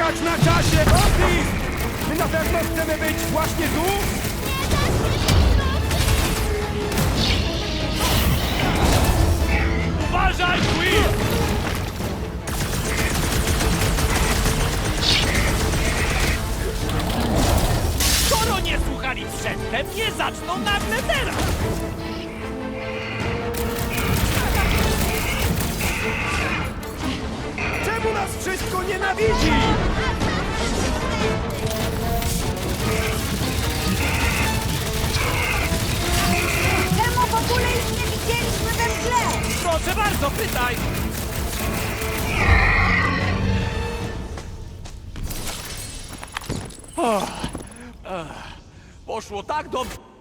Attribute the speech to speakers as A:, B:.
A: skakać na czasie! Otis! My na pewno chcemy być właśnie tu?
B: Uważaj, Quill! Skoro nie słuchali przedtem, nie zaczną nagle teraz!
A: Czemu nas wszystko nienawidzi?
C: Czemu w ogóle ich nie widzieliśmy we mgle?
B: Proszę bardzo, pytaj! Poszło tak dobrze.